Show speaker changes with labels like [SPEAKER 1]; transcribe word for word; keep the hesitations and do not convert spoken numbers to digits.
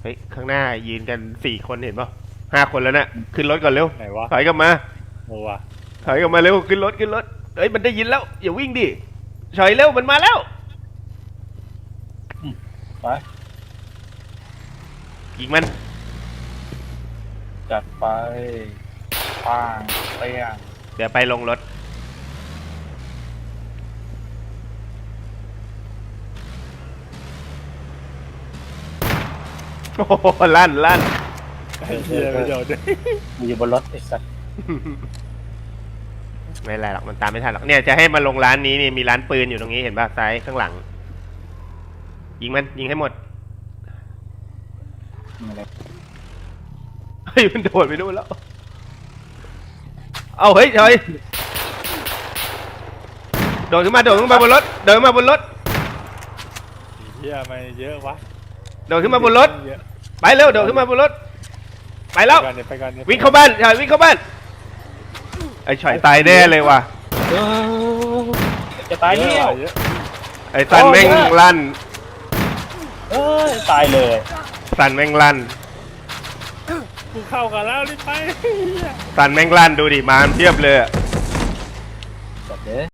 [SPEAKER 1] ฮ้ยข้างหน้ายืนกันสี่คนเห็นป่ะห้าคนแล้วนะขึ้นรถก่อนเร็ว
[SPEAKER 2] ไหนวะ
[SPEAKER 1] ถอยกลับมา
[SPEAKER 2] โอ้วะ
[SPEAKER 1] ถอยกลับมาเร็วขึ้นรถขึ้นรถเฮ้ยมันได้ยินแล้วอย่าวิ่งดิถอยเร็วมันมาแล้ว
[SPEAKER 3] ไป
[SPEAKER 1] ยิงมัน
[SPEAKER 3] จัดไปปังเปี้ยง
[SPEAKER 1] เดี๋ยวไปลงรถโอ้โหลั่นลั่น
[SPEAKER 2] ไอ้เหี้ยไม่เดี๋ยวด้วย
[SPEAKER 3] มึงอยู่บนรถไอ้สัส
[SPEAKER 1] ไม่เป็นไรหรอกมันตามไม่ทันหรอกเนี่ยจะให้มาลงร้านนี้นี่มีร้านปืนอยู่ตรงนี้เห็นป่ะซ้ายข้างหลัง ยิงมันยิงให้หมด
[SPEAKER 3] อะไร
[SPEAKER 1] เฮ้ยมันโดดไปนู่นแล้วเอาเฮ้ยถอยโดดขึ้นมาโดดขึ้นมาบนรถโดดขึ้นมาบนรถ
[SPEAKER 2] ไอ้เหี้ยไม่เยอะวะ
[SPEAKER 1] โดดขึ้นมาบนรถ
[SPEAKER 2] เยอะ
[SPEAKER 1] ไปเร็วโดดขึ้นมาบนรถไปแล้ว
[SPEAKER 2] ไปก่อนเนี่ยไปก่อนเนี่ย
[SPEAKER 1] วิ่งเข้าบ้านถอยวิ่งเข้าบ้านไอ้ฉอยตายแน่เลยว่ะ
[SPEAKER 3] จะตาย
[SPEAKER 2] เย
[SPEAKER 3] เนี่ย
[SPEAKER 2] อะเยอะ
[SPEAKER 1] ไอ้สันแม่งลั่น
[SPEAKER 3] เอ้ยตายเลย
[SPEAKER 1] สันแม่งลั่น
[SPEAKER 2] กูเข้ากันแล้วรีบไป
[SPEAKER 1] สันแม่งลั่นดูดิมาเทียบเลยอะ
[SPEAKER 3] จัดเด้